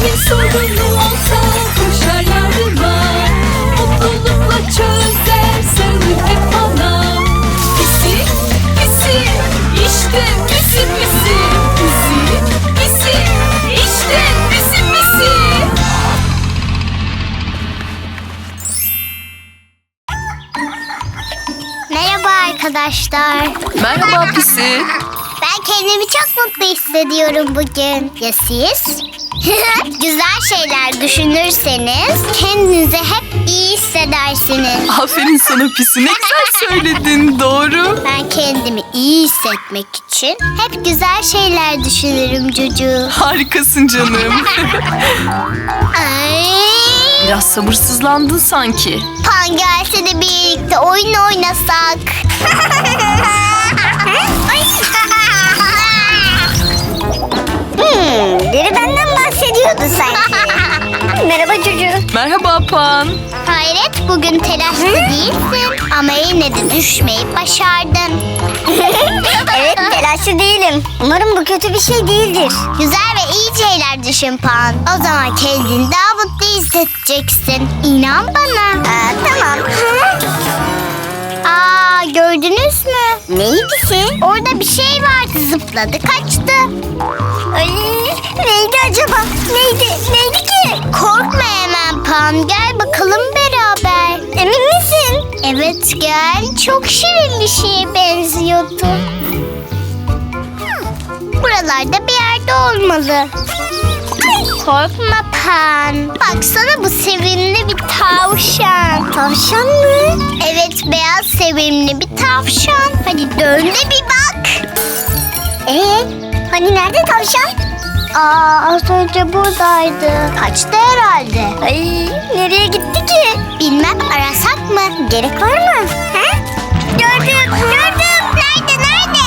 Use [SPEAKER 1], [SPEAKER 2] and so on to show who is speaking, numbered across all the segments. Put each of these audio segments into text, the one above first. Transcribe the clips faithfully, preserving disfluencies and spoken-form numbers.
[SPEAKER 1] Neyin sorunu olsa koşar yardıma. Mutlulukla çözer sarılır hep bana. Pisi pisi işte pisi pisi. Pisi pisi işte pisi pisi.
[SPEAKER 2] Merhaba arkadaşlar.
[SPEAKER 3] Merhaba Pisi.
[SPEAKER 2] Ben kendimi çok mutlu hissediyorum bugün. Ya siz? Güzel şeyler düşünürseniz kendinizi hep iyi hissedersiniz.
[SPEAKER 3] Aferin sana Pisi. Ne güzel söyledin. Doğru.
[SPEAKER 2] Ben kendimi iyi hissetmek için hep güzel şeyler düşünürüm Cucu.
[SPEAKER 3] Harikasın canım.
[SPEAKER 2] Ay.
[SPEAKER 3] Biraz sabırsızlandın sanki.
[SPEAKER 2] Pan gelse de birlikte oyun oynasak. hmm, biri benden bahsediyordu sanki. Merhaba Cucu.
[SPEAKER 3] Merhaba Pan.
[SPEAKER 2] Hayret, bugün telaşlı değilsin. Ama yine de düşmeyip başardın.
[SPEAKER 4] Evet, telaşlı değilim. Umarım bu kötü bir şey değildir.
[SPEAKER 2] Güzel ve iyi şeyler düşün Pan. O zaman kendini daha mutlu hissedeceksin. İnan bana.
[SPEAKER 4] Aa, tamam.
[SPEAKER 2] Aa, gördünüz mü?
[SPEAKER 4] Neydi ki?
[SPEAKER 2] Orada bir şey vardı, zıpladı kaçtı.
[SPEAKER 4] Ay, neydi acaba? Neydi? Neydi ki?
[SPEAKER 2] Korkma hemen Pan, gel bakalım beraber.
[SPEAKER 4] Emin misin?
[SPEAKER 2] Evet gel, çok şirin bir şeye benziyordu. Buralarda bir yerde olmalı. Korkma Pan. Baksana, bu sevimli bir tavşan.
[SPEAKER 4] Tavşan mı?
[SPEAKER 2] Evet, beyaz sevimli bir tavşan. Hadi dön de bir bak.
[SPEAKER 4] Ee, hani nerede tavşan?
[SPEAKER 2] Aa, az önce buradaydı. Kaçtı herhalde.
[SPEAKER 4] Ay, nereye gitti ki?
[SPEAKER 2] Bilmem, arasak mı?
[SPEAKER 4] Gerek var mı? Ha? Gördüm, gördüm.
[SPEAKER 2] Nerede, nerede?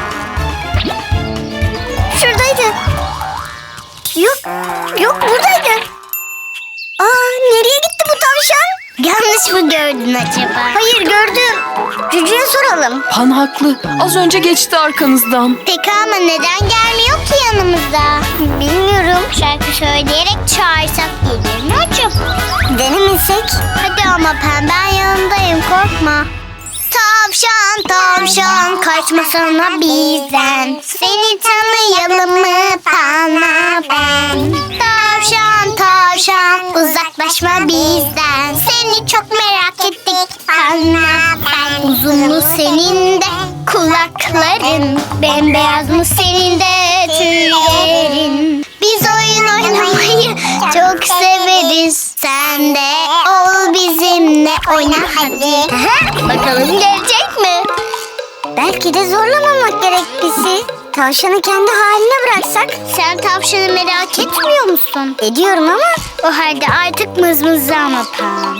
[SPEAKER 4] Şuradaydı. Yok, yok buradaydı. Aa, nereye gitti bu tavşan?
[SPEAKER 2] Yanlış mı gördün acaba?
[SPEAKER 4] Hayır, gördüm. Cücü'ye soralım.
[SPEAKER 3] Pan haklı. Az önce geçti arkanızdan.
[SPEAKER 2] Peki ama neden gelmiyor ki yanımıza?
[SPEAKER 4] Bilmiyorum.
[SPEAKER 2] Şarkı söyleyerek çağırsak gelir mi acaba?
[SPEAKER 4] Denemesek?
[SPEAKER 2] Hadi ama Pen, ben yanındayım, korkma. Tavşan tavşan kaçmasana bizden. Seni tanıyalım mı Pan'la ben? Tavşan tavşan uzaklaşma bizden. Seni çok merak ettik Pan'la ben. Uzun mu senin de kulakların? Bembeyaz mı senin de tüylerin? Biz oyun oynamayı çok severiz. Sen de ol bizimle, oyna hadi. Bakalım gelecek mi?
[SPEAKER 4] Belki de zorlamamak gerek Pisi. Tavşanı kendi haline bıraksak.
[SPEAKER 2] Sen tavşanı merak etmiyor musun?
[SPEAKER 4] Ediyorum ama.
[SPEAKER 2] O halde artık mızmızlama Pan.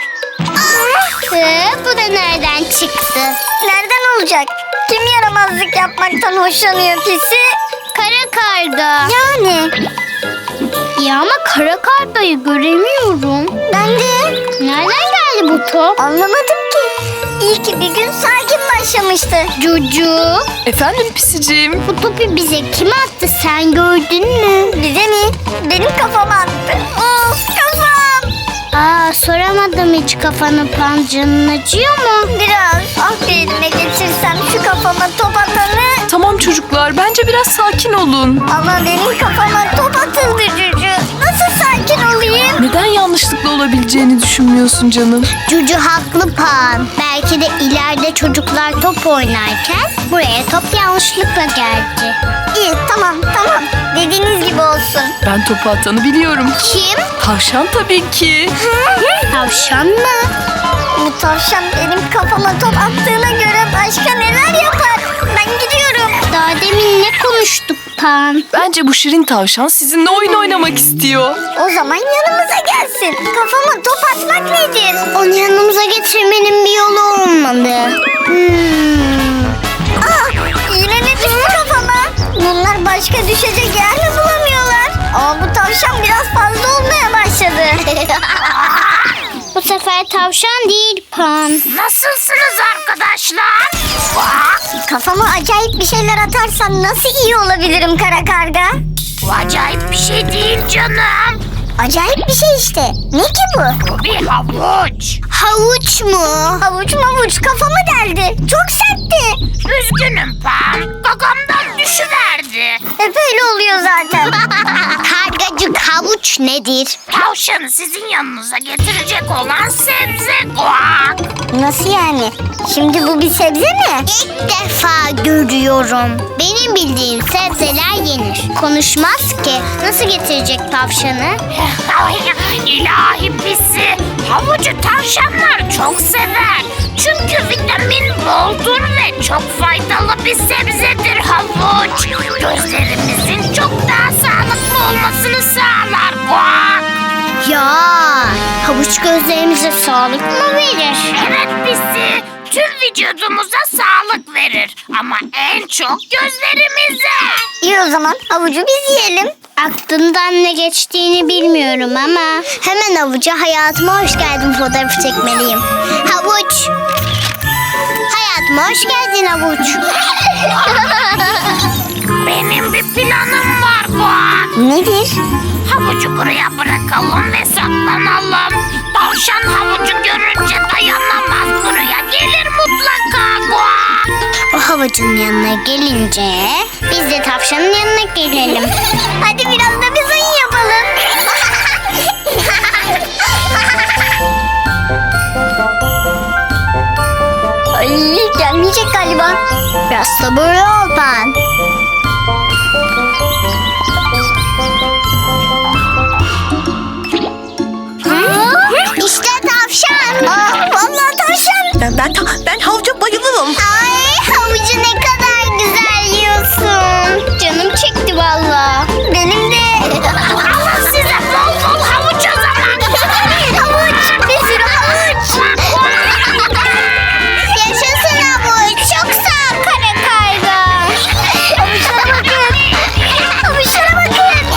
[SPEAKER 2] Ee, bu da nereden çıktı?
[SPEAKER 4] Nereden olacak? Kim yaramazlık yapmaktan hoşlanıyor Pisi?
[SPEAKER 2] Kara karga.
[SPEAKER 4] Yani.
[SPEAKER 2] Ya ama kara kargayı göremiyorum.
[SPEAKER 4] Ben de.
[SPEAKER 2] Nereden geldi bu top?
[SPEAKER 4] Anlamadım ki. İyi ki bir gün sakin başlamıştı.
[SPEAKER 2] Cucu.
[SPEAKER 3] Efendim Pisiciğim.
[SPEAKER 2] Bu topu bize kim attı, sen gördün mü?
[SPEAKER 4] Bize mi? Benim kafama attı. Of, kafam.
[SPEAKER 2] Aa, soramadım hiç kafanı Pan, canın acıyor mu?
[SPEAKER 4] Biraz. Ah, bir elime geçirsem şu kafama top atanı.
[SPEAKER 3] Tamam çocuklar. Bence biraz sakin olun.
[SPEAKER 4] Ama benim kafama top atıldı Cücü. Nasıl sakin olayım?
[SPEAKER 3] Neden yanlışlıkla olabileceğini düşünmüyorsun canım?
[SPEAKER 2] Cucu haklı Pan. Belki de ileride çocuklar top oynarken buraya top yanlışlıkla geldi.
[SPEAKER 4] İyi, tamam tamam. Dediğiniz gibi olsun.
[SPEAKER 3] Ben topu atanı biliyorum.
[SPEAKER 2] Kim?
[SPEAKER 3] Tavşan tabii ki.
[SPEAKER 2] Tavşan mı?
[SPEAKER 4] Bu tavşan benim kafama top attığına göre başka neler yapar? Ben gidiyorum.
[SPEAKER 2] Daha demin ne konuştuk Pan?
[SPEAKER 3] Bence bu şirin tavşan sizinle oyun oynamak istiyor.
[SPEAKER 4] O zaman yanımıza gelsin. Kafama top atmak nedir?
[SPEAKER 2] Onu yanımıza getirmenin bir yolu olmalı. Hmm.
[SPEAKER 4] Aa, yine ne düştü kafama? Bunlar başka düşecek yer mi bulamıyorlar? Ama bu tavşan biraz fazla olmaya başladı.
[SPEAKER 2] Bu sefer tavşan değil Pan.
[SPEAKER 4] Nasılsınız arkadaşlar? Kafama acayip bir şeyler atarsan nasıl iyi olabilirim kara karga?
[SPEAKER 5] Bu acayip bir şey değil canım.
[SPEAKER 4] Acayip bir şey işte. Ne ki bu?
[SPEAKER 5] Bu bir havuç.
[SPEAKER 2] Havuç mu?
[SPEAKER 4] Havuç mavuç kafamı deldi. Çok sertti.
[SPEAKER 5] Üzgünüm Pan. Gagamdan düşüverdi.
[SPEAKER 4] Hep öyle oluyor zaten.
[SPEAKER 2] Kargacık, havuç nedir?
[SPEAKER 5] Tavşanı sizin yanınıza getirecek olan sebze guak.
[SPEAKER 4] Nasıl yani? Şimdi bu bir sebze mi?
[SPEAKER 2] İlk defa görüyorum. Benim bildiğim sebzeler yenir. Konuşmaz ki. Nasıl getirecek tavşanı?
[SPEAKER 5] İlahi pisi. Havucu tavşanlar çok sever. Çünkü vitamin boldur ve çok faydalı bir sebzedir havuç. Gözlerimizin çok daha sağlıklı olmasını sağlar guak.
[SPEAKER 2] Ya, havuç gözlerimize sağlık mı verir?
[SPEAKER 5] Evet pisi. Tüm vücudumuza sağlık verir. Ama en çok gözlerimize.
[SPEAKER 4] İyi o zaman havucu biz yiyelim.
[SPEAKER 2] Aklından ne geçtiğini bilmiyorum ama hemen havuca hayatıma hoş geldin fotoğrafı çekmeliyim. Havuç. Hayatıma hoş geldin havuç.
[SPEAKER 5] Benim bir planım var guak.
[SPEAKER 4] Nedir?
[SPEAKER 5] Havucu buraya bırakalım ve saklanalım. Tavşan havucu görünce dayanamaz. Buraya gelir mutlaka guak.
[SPEAKER 2] O havucun yanına gelince biz de tavşanın yanına gelelim.
[SPEAKER 4] Hadi biraz da biz oyun yapalım. Ay gelmeyecek galiba.
[SPEAKER 2] Biraz sabırlı ol Pan. İşte tavşan.
[SPEAKER 4] Aa, vallahi tavşan.
[SPEAKER 6] Ben ben ta- ben havuca bayılırım.
[SPEAKER 2] Ay, havucu ne kadar güzel yiyorsun. Canım çekti valla.
[SPEAKER 4] Benim de.
[SPEAKER 5] Alın size bol bol havuç o zaman.
[SPEAKER 4] Havuç. Bir sürü havuç.
[SPEAKER 2] Yaşasın havuç. Çok sağ ol kara karga.
[SPEAKER 4] Havuçlara bakın. Havuçlara bakın.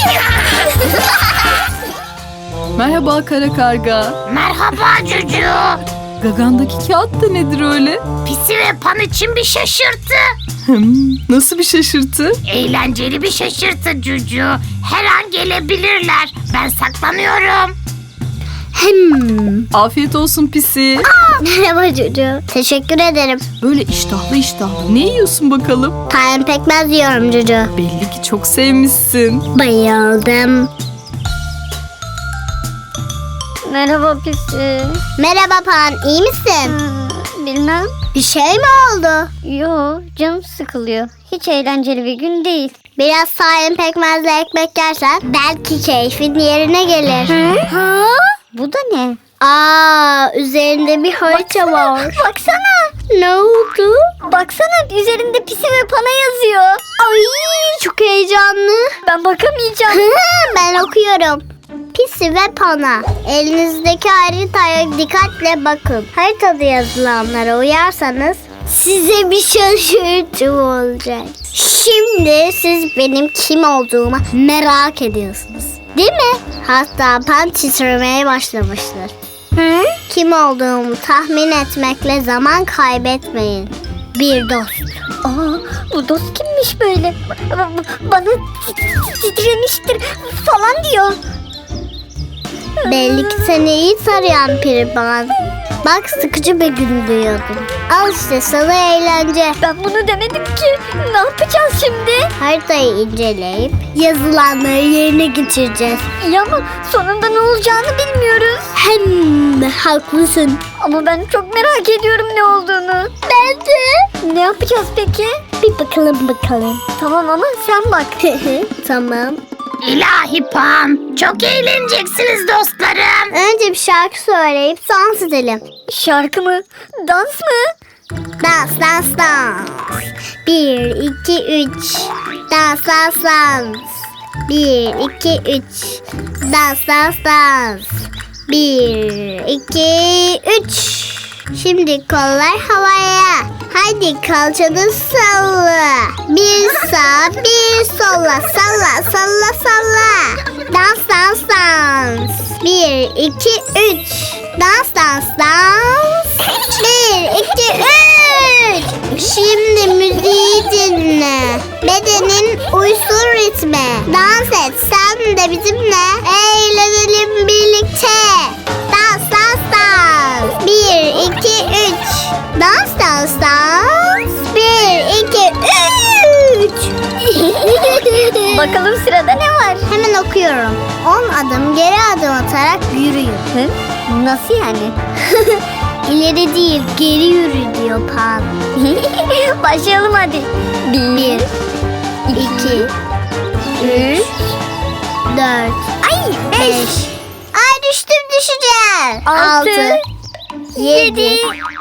[SPEAKER 3] Merhaba kara karga.
[SPEAKER 5] Merhaba Cucu.
[SPEAKER 3] Gagandaki kağıt da nedir öyle?
[SPEAKER 5] Pisi ve Pan için bir şaşırtı.
[SPEAKER 3] Hmm, nasıl bir şaşırtı?
[SPEAKER 5] Eğlenceli bir şaşırtı Cucu. Her an gelebilirler. Ben saklanıyorum.
[SPEAKER 2] Hmm.
[SPEAKER 3] Afiyet olsun pisi.
[SPEAKER 2] Merhaba Cucu. Teşekkür ederim.
[SPEAKER 3] Böyle iştahlı iştahlı. Ne yiyorsun bakalım?
[SPEAKER 2] Tayin pekmez yiyorum Cucu.
[SPEAKER 3] Belli ki çok sevmişsin.
[SPEAKER 2] Bayıldım.
[SPEAKER 4] Merhaba pisi.
[SPEAKER 2] Merhaba Pan. İyi misin?
[SPEAKER 4] Hmm, bilmem.
[SPEAKER 2] Bir şey mi oldu?
[SPEAKER 4] Yo canım sıkılıyor. Hiç eğlenceli bir gün değil.
[SPEAKER 2] Biraz tayin pekmezle ekmek yersen belki keyfin yerine gelir.
[SPEAKER 4] Ha? Bu da ne?
[SPEAKER 2] Aa, üzerinde bir harita var.
[SPEAKER 4] Baksana.
[SPEAKER 2] Ne oldu?
[SPEAKER 4] Baksana üzerinde pisi ve pana yazıyor.
[SPEAKER 2] Ay, çok heyecanlı.
[SPEAKER 4] Ben bakamayacağım.
[SPEAKER 2] Ben okuyorum. Pisi ve Pana. Elinizdeki haritaya dikkatle bakın. Haritada yazılanlara uyarsanız size bir şaşırtı olacak. Şimdi siz benim kim olduğumu merak ediyorsunuz. Değil mi? Hatta Pan titremeye başlamıştır.
[SPEAKER 4] Hı?
[SPEAKER 2] Kim olduğumu tahmin etmekle zaman kaybetmeyin. Bir dost.
[SPEAKER 4] Aa, bu dost kimmiş böyle? Ba- ba- Bana titremiştir falan diyor.
[SPEAKER 2] Belli ki seni iyi tarayan Piriban. Bak sıkıcı bir gün diyordum. Al işte sana eğlence.
[SPEAKER 4] Ben bunu demedim ki. Ne yapacağız şimdi?
[SPEAKER 2] Haritayı inceleyip yazılanları yerine getireceğiz.
[SPEAKER 4] İyi ama sonunda ne olacağını bilmiyoruz.
[SPEAKER 2] Hem haklısın.
[SPEAKER 4] Ama ben çok merak ediyorum ne olduğunu.
[SPEAKER 2] Ben de.
[SPEAKER 4] Ne yapacağız peki?
[SPEAKER 2] Bir bakalım bakalım.
[SPEAKER 4] Tamam ama sen bak.
[SPEAKER 2] Tamam.
[SPEAKER 5] İlahi Pan. Çok eğleneceksiniz dostlarım.
[SPEAKER 2] Önce bir şarkı söyleyip dans edelim.
[SPEAKER 4] Şarkı mı? Dans mı?
[SPEAKER 2] Dans dans dans. Bir, iki, üç. Dans dans dans. Bir, iki, üç. Dans dans dans. Bir, iki, üç. Şimdi kollar havaya. Haydi kalçanı salla. Bir sağ bir sola. Salla salla salla. Dans dans dans. Bir, iki, üç. Dans dans dans. Bir, iki, üç. Şimdi müziği dinle. Bedenin uysun etme. Dans et sen de bizimle. Eğlenelim birlikte. Dans dans dans. Bir, iki, üç. Dans dans dans. Bir, iki, üç.
[SPEAKER 4] Bakalım sırada ne var?
[SPEAKER 2] Hemen okuyorum. On adım geri adım atarak yürüyün.
[SPEAKER 4] Hı? Nasıl yani?
[SPEAKER 2] İleri değil geri yürü diyor Pan.
[SPEAKER 4] Başlayalım hadi. Bir,
[SPEAKER 2] İki, üç, dört,
[SPEAKER 4] ay beş,
[SPEAKER 2] beş. Ay düştüm düşeceğim.
[SPEAKER 4] altı,
[SPEAKER 2] yedi.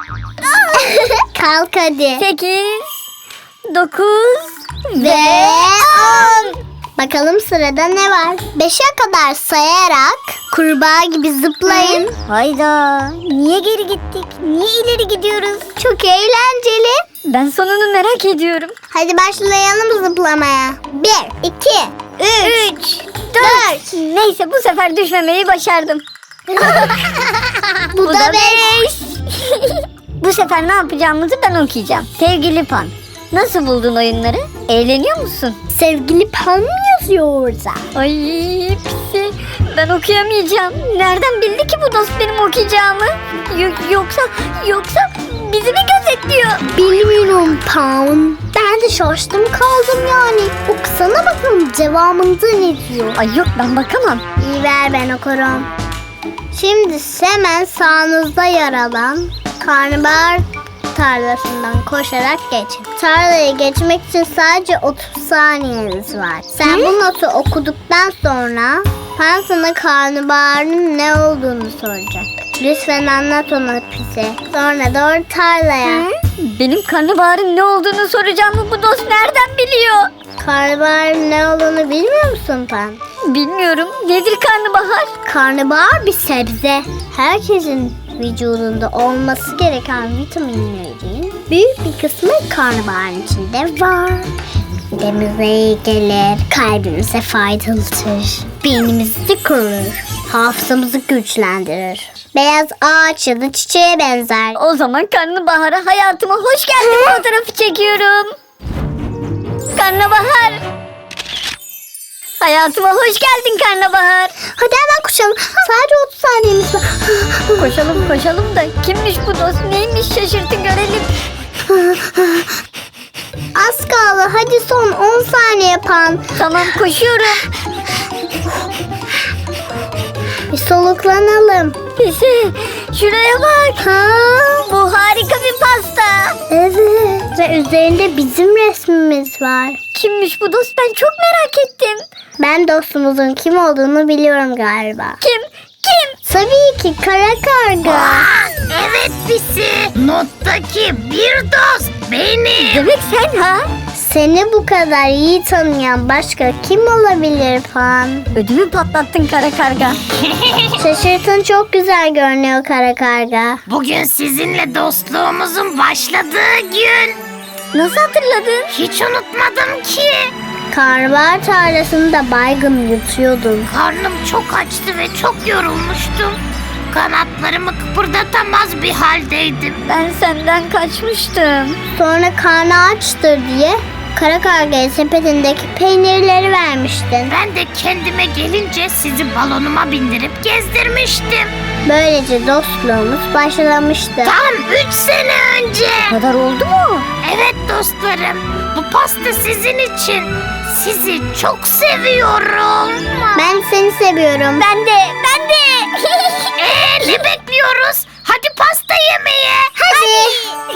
[SPEAKER 2] Kalk hadi.
[SPEAKER 4] sekiz, dokuz
[SPEAKER 2] Ve on. Bakalım sırada ne var? Beşe kadar sayarak kurbağa gibi zıplayın.
[SPEAKER 4] Hayda. Niye geri gittik? Niye ileri gidiyoruz?
[SPEAKER 2] Çok eğlenceli.
[SPEAKER 4] Ben sonunu merak ediyorum.
[SPEAKER 2] Hadi başlayalım zıplamaya. Bir, iki, üç,
[SPEAKER 4] Üç,
[SPEAKER 2] dört.
[SPEAKER 4] Neyse bu sefer düşmemeyi başardım.
[SPEAKER 2] Bu, da beş.
[SPEAKER 4] Bu sefer ne yapacağımızı ben okuyacağım. Sevgili Pan, nasıl buldun oyunları? Eğleniyor musun?
[SPEAKER 2] Sevgili Pan mı yazıyor orada?
[SPEAKER 4] Ay pisi, ben okuyamayacağım. Nereden bildi ki bu dost benim okuyacağımı? Yo- yoksa, yoksa bizi mi gözetliyor?
[SPEAKER 2] Bilmiyorum Pan. Ben de şaştım kaldım yani. Okusana bakalım cevabında ne diyor?
[SPEAKER 4] Ay yok ben bakamam.
[SPEAKER 2] İyi ver ben okurum. Şimdi hemen sağınızda yer alan karnabahar tarlasından koşarak geçin. Tarlayı geçmek için sadece otuz saniyeniz var. Sen bu notu okuduktan sonra Pan sana karnabaharın ne olduğunu soracak. Lütfen anlat ona Pisi. Sonra doğru tarlaya.
[SPEAKER 4] Benim karnabaharın ne olduğunu soracağımı bu dost nereden biliyor?
[SPEAKER 2] Karnabaharın ne olduğunu bilmiyor musun Pan?
[SPEAKER 4] Bilmiyorum. Nedir karnabahar?
[SPEAKER 2] Karnabahar bir sebze. Herkesin vücudunda olması gereken vitaminlerin büyük bir kısmı karnabaharın içinde var. Midemize iyi gelir, kalbimize faydalıdır, beynimizi korur, hafızamızı güçlendirir. Beyaz ağaç ya da çiçeğe benzer.
[SPEAKER 4] O zaman karnabahara hayatıma hoş geldin fotoğrafı çekiyorum. Karnabahar. Hayatıma hoş geldin karnabahar.
[SPEAKER 2] Hadi hemen koşalım. Sadece otuz saniyemiz var.
[SPEAKER 4] Koşalım koşalım da kimmiş bu dost neymiş şaşırtın görelim.
[SPEAKER 2] Az kaldı. Hadi son on saniye Pan.
[SPEAKER 4] Tamam koşuyorum.
[SPEAKER 2] Bir soluklanalım.
[SPEAKER 4] Pisi şuraya bak.
[SPEAKER 2] Ha?
[SPEAKER 4] Bu harika bir pasta.
[SPEAKER 2] Evet. Ve üzerinde bizim resmimiz var.
[SPEAKER 4] Kimmiş bu dost ben çok merak ettim.
[SPEAKER 2] Ben dostumuzun kim olduğunu biliyorum galiba.
[SPEAKER 4] Kim? Kim?
[SPEAKER 2] Tabii ki kara karga.
[SPEAKER 5] Evet Pisi. Nottaki bir dost benim.
[SPEAKER 4] Demek sen ha?
[SPEAKER 2] Seni bu kadar iyi tanıyan başka kim olabilir Pan?
[SPEAKER 4] Ödümü patlattın kara karga.
[SPEAKER 2] Şaşırtın çok güzel görünüyor kara karga.
[SPEAKER 5] Bugün sizinle dostluğumuzun başladığı gün.
[SPEAKER 4] Nasıl hatırladın?
[SPEAKER 5] Hiç unutmadım ki.
[SPEAKER 2] Karnabahar tarlasında baygın yutuyordun.
[SPEAKER 5] Karnım çok açtı ve çok yorulmuştum. Kanatlarımı kıpırdatamaz bir haldeydim.
[SPEAKER 4] Ben senden kaçmıştım.
[SPEAKER 2] Sonra karnı açtır diye kara kargaya sepetindeki peynirleri vermiştin.
[SPEAKER 5] Ben de kendime gelince sizi balonuma bindirip gezdirmiştim.
[SPEAKER 2] Böylece dostluğumuz başlamıştı.
[SPEAKER 5] Tam üç sene önce.
[SPEAKER 4] Bu kadar oldu mu?
[SPEAKER 5] Evet dostlarım, bu pasta sizin için. Sizi çok seviyorum.
[SPEAKER 2] Ben seni seviyorum.
[SPEAKER 4] Ben de, ben de.
[SPEAKER 5] Ee, ne bekliyoruz? Hadi pasta yemeye.
[SPEAKER 2] Hadi.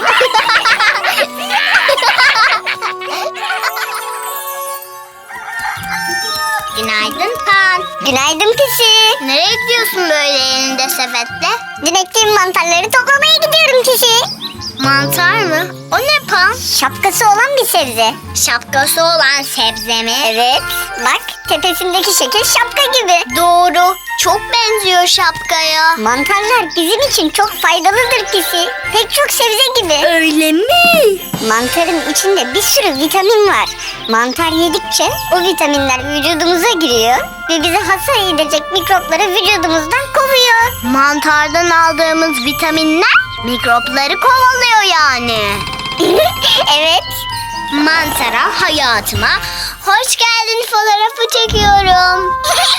[SPEAKER 2] Günaydın Pan.
[SPEAKER 4] Günaydın Pisi.
[SPEAKER 2] Nereye gidiyorsun böyle elinde sepetle?
[SPEAKER 4] Dün ektiğim mantarları toplamaya gidiyorum Pisi.
[SPEAKER 2] Mantar mı? O ne Pan?
[SPEAKER 4] Şapkası olan bir sebze.
[SPEAKER 2] Şapkası olan sebze mi?
[SPEAKER 4] Evet, bak tepesindeki şekil şapka gibi.
[SPEAKER 2] Doğru. Çok benziyor şapkaya.
[SPEAKER 4] Mantarlar bizim için çok faydalıdır Pisi. Pek çok sebze gibi.
[SPEAKER 2] Öyle mi?
[SPEAKER 4] Mantarın içinde bir sürü vitamin var. Mantar yedikçe o vitaminler vücudumuza giriyor ve bizi hasar edecek mikropları vücudumuzdan kovuyor.
[SPEAKER 2] Mantardan aldığımız vitaminler mikropları kovalıyor yani.
[SPEAKER 4] Evet.
[SPEAKER 2] Mantara hayatıma Hoş geldin, fotoğrafı çekiyorum.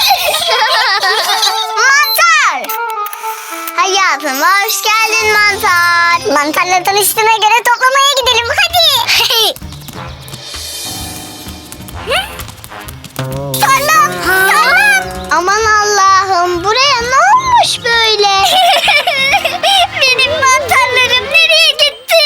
[SPEAKER 2] Mantar. Hayatım, hoş geldin mantar.
[SPEAKER 4] Mantarla tanıştığına göre toplamaya gidelim hadi. Tarlam, tarlam.
[SPEAKER 2] Aman Allah'ım, buraya ne olmuş böyle?
[SPEAKER 4] Benim mantarlarım nereye gitti?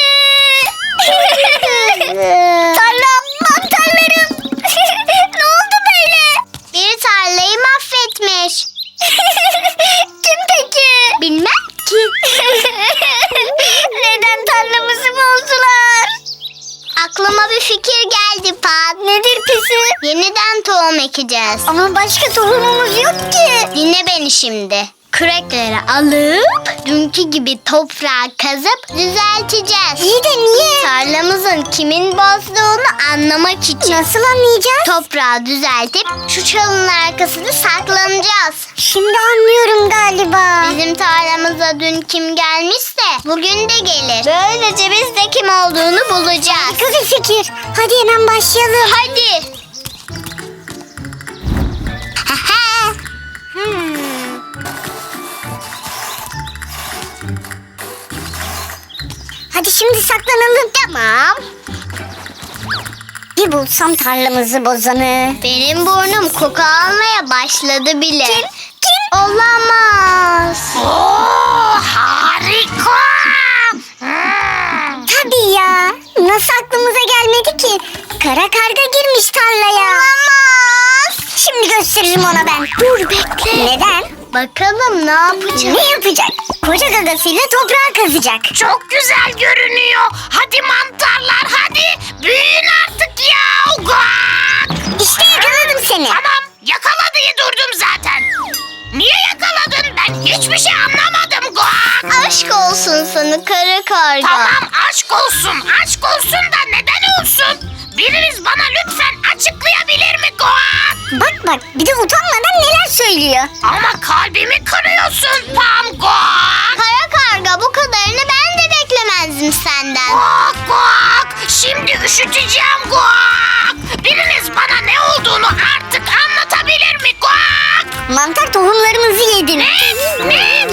[SPEAKER 4] Tarlam, mantarlarım. Ne oldu böyle?
[SPEAKER 2] Bir tarlayı mahvetmiş.
[SPEAKER 4] Kim peki?
[SPEAKER 2] Bilmem ki.
[SPEAKER 4] Neden tarlamızı bozdular?
[SPEAKER 2] Aklıma bir fikir geldi Pat.
[SPEAKER 4] Nedir pisi?
[SPEAKER 2] Yeniden tohum ekeceğiz.
[SPEAKER 4] Ama başka tohumumuz yok ki.
[SPEAKER 2] Dinle beni şimdi. Kürekleri alıp dünkü gibi toprağı kazıp düzelteceğiz.
[SPEAKER 4] İyi de niye?
[SPEAKER 2] Tarlamızın kimin bozduğunu anlamak için.
[SPEAKER 4] Nasıl anlayacağız?
[SPEAKER 2] Toprağı düzeltip şu çalının arkasında saklanacağız.
[SPEAKER 4] Şimdi anlıyorum galiba.
[SPEAKER 2] Bizim tarlamıza dün kim gelmişse bugün de gelir. Böylece biz de kim olduğunu bulacağız.
[SPEAKER 4] Harika bir fikir. Hadi hemen başlayalım.
[SPEAKER 2] Hadi.
[SPEAKER 4] Hmm. Hadi şimdi saklanalım.
[SPEAKER 2] Tamam.
[SPEAKER 4] Bir bulsam tarlamızı bozanı.
[SPEAKER 2] Benim burnum koku almaya başladı bile.
[SPEAKER 4] Kim? Kim?
[SPEAKER 2] Olamaz.
[SPEAKER 5] Oo, harika. Hmm.
[SPEAKER 4] Tabii ya. Nasıl aklımıza gelmedi ki? Kara karga girmiş tarlaya.
[SPEAKER 2] Olamaz.
[SPEAKER 4] Şimdi gösteririm ona ben.
[SPEAKER 2] Dur bekle.
[SPEAKER 4] Neden?
[SPEAKER 2] Bakalım ne yapacak?
[SPEAKER 4] Ne yapacak? Koca gagasıyla toprağı kazacak.
[SPEAKER 5] Çok güzel görünüyor. Hadi mantarlar hadi. Büyüyün artık ya. Guak.
[SPEAKER 4] İşte yakaladım seni.
[SPEAKER 5] Tamam yakala diye durdum zaten. Niye yakaladın? Ben hiçbir şey anlamadım Guak.
[SPEAKER 2] Aşk olsun sana kara karga.
[SPEAKER 5] Tamam aşk olsun. Aşk olsun da neden olsun? Biriniz bana lütfen açıklayabilir mi Guak?
[SPEAKER 4] Bak bak bir de utanmadan neler söylüyor.
[SPEAKER 5] Ama kalbimi kırıyorsun Pam Guak.
[SPEAKER 2] Kara karga, bu kadarını ben de beklemezdim senden.
[SPEAKER 5] Guak guak. Şimdi üşüteceğim guak. Biriniz bana ne olduğunu artık anlatabilir mi guak?
[SPEAKER 4] Mantar tohumlarımızı yedin.
[SPEAKER 5] Ne? Ne?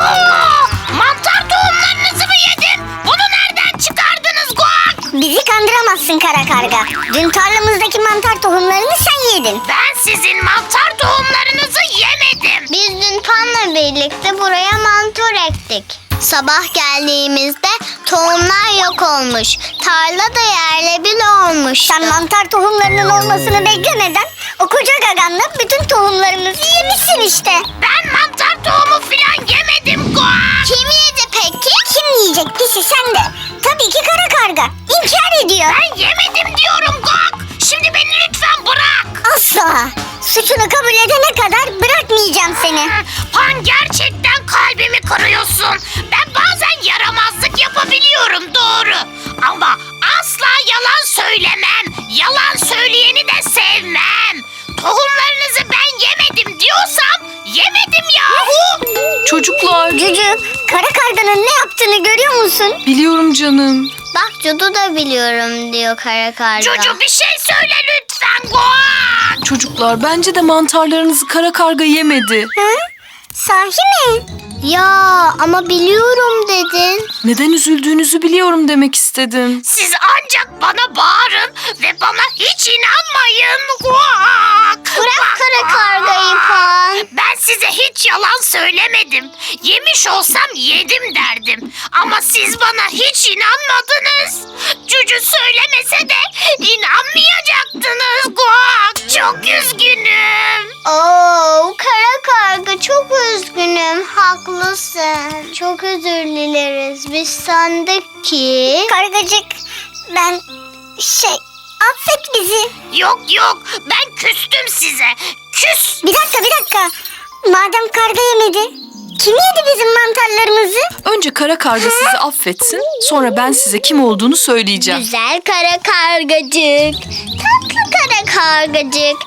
[SPEAKER 5] Oo, mantar tohumlarınızı mı yedim? Bunu nereden çıkardınız guak?
[SPEAKER 4] Bizi kandıramazsın kara karga. Dün tarlamızdaki mantar tohumlarını sen yedin.
[SPEAKER 5] Ben sizin mantar tohumlarınızı yemedim.
[SPEAKER 2] Biz dün Pan'la birlikte buraya mantar ektik. Sabah geldiğimizde tohumlar yok olmuş. Tarla da yerle bir olmuştu.
[SPEAKER 4] Sen mantar tohumlarının olmasını beklemeden o koca gaganla bütün tohumlarımızı yemişsin işte.
[SPEAKER 5] Ben mantar tohumu filan yemedim guak.
[SPEAKER 2] Kim yedi peki?
[SPEAKER 4] Kim yiyecek pisi sen de? Tabii ki kara karga. İnkar ediyor.
[SPEAKER 5] Ben yemedim diyorum guak. Şimdi beni lütfen bırak.
[SPEAKER 4] Asla. Suçunu kabul edene kadar bırakmayacağım seni.
[SPEAKER 5] Pan gerçekten kalbimi kırıyorsun. Ben bazen yaramazlık yapabiliyorum doğru. Ama asla yalan söylemem. Yalan söyleyeni de sevmem. Tohumlarınızı ben yemedim diyorsam yemedim yahu.
[SPEAKER 3] Çocuklar,
[SPEAKER 4] Cücü, kara karganın ne yaptığını görüyor musun?
[SPEAKER 3] biliyorum canım.
[SPEAKER 2] Bak Cudu da biliyorum diyor kara karga.
[SPEAKER 5] Çocuğum bir şey söyle lütfen Guak.
[SPEAKER 3] Çocuklar, bence de mantarlarınızı kara karga yemedi.
[SPEAKER 4] Hı? Sahi mi?
[SPEAKER 2] Ya ama biliyorum dedin.
[SPEAKER 3] Neden üzüldüğünüzü biliyorum demek istedim.
[SPEAKER 5] Siz ancak bana bağırın ve bana hiç inanmayın. Guak.
[SPEAKER 2] Bırak kara kargayı Pan.
[SPEAKER 5] Ben size hiç yalan söylemedim. Yemiş olsam yedim derdim. Ama siz bana hiç inanmadınız. Cücü söylemese de inanmayacaktınız. Guak, çok üzgünüm.
[SPEAKER 2] Oo, kara karga çok üzgünüm. Haklısın. Çok özür dileriz. Biz sandık ki...
[SPEAKER 4] Kargacık, ben şey affet bizi.
[SPEAKER 5] Yok yok, ben küstüm size. Küs.
[SPEAKER 4] Bir dakika bir dakika. Madem karga yemedi, kim yedi bizim mantarlarımızı?
[SPEAKER 3] Önce kara karga sizi affetsin, sonra ben size kim olduğunu söyleyeceğim.
[SPEAKER 2] Güzel kara kargacık. Tatlı kara kargacık.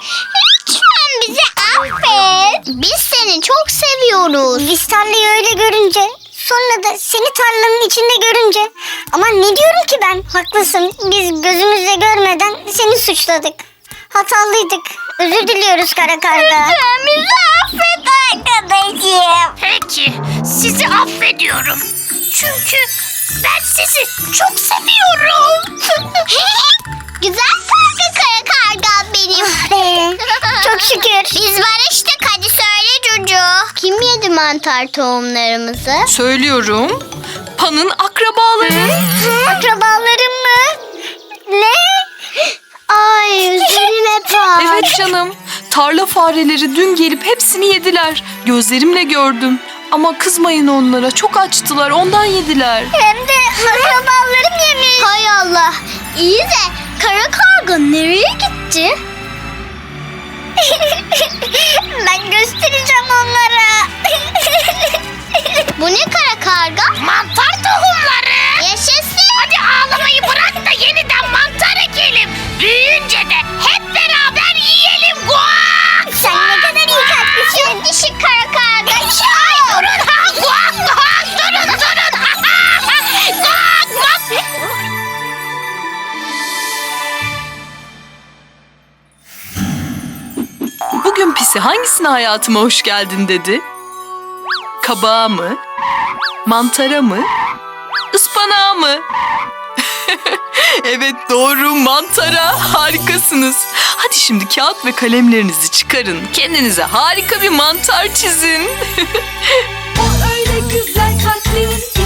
[SPEAKER 2] Lütfen bizi affet. Biz seni çok seviyoruz.
[SPEAKER 4] Biz tarlayı öyle görünce, sonra da seni tarlanın içinde görünce. Ama ne diyorum ki ben? Haklısın, biz gözümüzle görmeden seni suçladık. Hatalıydık. Özür diliyoruz kara karga. Lütfen bizi affet arkadaşım.
[SPEAKER 5] Peki, sizi affediyorum. Çünkü ben sizi çok seviyorum.
[SPEAKER 2] Güzel karga kara karga benim.
[SPEAKER 4] Çok şükür.
[SPEAKER 2] Biz barıştık, hadi söyle Cucu. Kim yedi mantar tohumlarımızı?
[SPEAKER 3] Söylüyorum. Pan'ın akrabaları.
[SPEAKER 4] Akrabalarım mı? Ne?
[SPEAKER 2] Ay üzülme Pan.
[SPEAKER 3] Evet canım. Tarla fareleri dün gelip hepsini yediler. Gözlerimle gördüm. Ama kızmayın onlara. Çok açtılar. Ondan yediler.
[SPEAKER 4] Hem de akrabalarım yemiş.
[SPEAKER 2] Hay Allah. İyi de kara karga nereye gitti?
[SPEAKER 4] Ben göstereceğim onlara.
[SPEAKER 2] Bu ne kara karga?
[SPEAKER 5] Mantar tohumları.
[SPEAKER 2] Yaşasın.
[SPEAKER 5] Hadi ağlamayı bırak da yeniden mantar ekelim. Büyüyünce de hep beraber yiyelim. Guak!
[SPEAKER 4] Sen ne kadar iyi kalplisin.
[SPEAKER 2] Çok dişi kara karga.
[SPEAKER 5] Ay durun ha! Guak guak! Durun durun! Guak guak!
[SPEAKER 3] Bugün Pisi hangisine hayatıma hoş geldin dedi? Kabağa mı? Mantara mı? Ispanağa mı? Evet doğru, mantara. Harikasınız. Hadi şimdi kağıt ve kalemlerinizi çıkarın. Kendinize harika bir mantar çizin.
[SPEAKER 1] O öyle güzel kalplerin